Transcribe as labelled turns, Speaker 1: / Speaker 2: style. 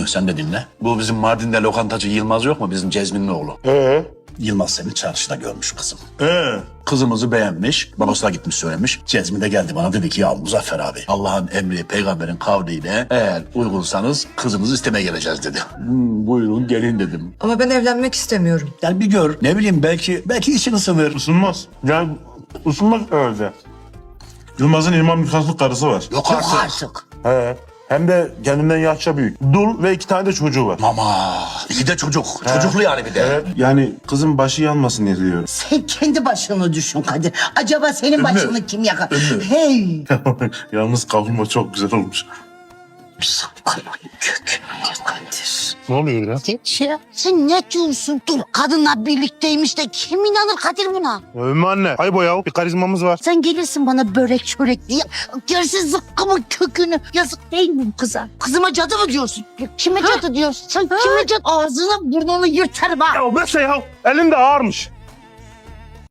Speaker 1: Ümmü sen de dinle. Bu bizim Mardin'de lokantacı Yılmaz yok mu? Bizim Cezmin'in oğlu. Yılmaz seni çarşıda görmüş kızım. Kızımızı beğenmiş. Babasına gitmiş söylemiş. Cezmi de geldi bana dedi ki ya Muzaffer abi Allah'ın emri peygamberin kavliyle eğer uygunsanız kızınızı istemeye geleceğiz dedi. Buyurun gelin dedim.
Speaker 2: Ama ben evlenmek istemiyorum.
Speaker 1: Yani bir gör ne bileyim belki için ısınır.
Speaker 3: Isınmaz. Yani ısınmaz herhalde. Yılmaz'ın İmam Nikahlı karısı var.
Speaker 1: Yok artık.
Speaker 3: He. Hem de kendinden yaşça büyük. Dul ve 2 tane de çocuğu var.
Speaker 1: Mama iki de çocuk. Çocuklu yani bir de.
Speaker 3: Evet. Yani kızın başı yanmasın diye diyorum.
Speaker 4: Sen kendi başını düşün Kadir. Acaba senin başını kim yakar?
Speaker 1: Ümmü.
Speaker 4: Hey!
Speaker 3: Yalnız kavurma çok güzel olmuş.
Speaker 4: Sapkının kökünü Kadir.
Speaker 3: Ne oluyor ya?
Speaker 4: Ya, sen ne diyorsun? Dur kadınla birlikteymiş de kim inanır Kadir buna?
Speaker 3: Ümmü anne. Aybo ya. Bir karizmamız var.
Speaker 4: Sen gelirsin bana börek çörek diye. Gerisi zıkkımın kökünü. Yazık değil mi bu kıza? Kızıma cadı mı diyorsun? Kime cadı diyorsun? Sen kime cadı? Ağzını burnunu yırtarım ha.
Speaker 3: Ya mesela ya. Elin de ağırmış.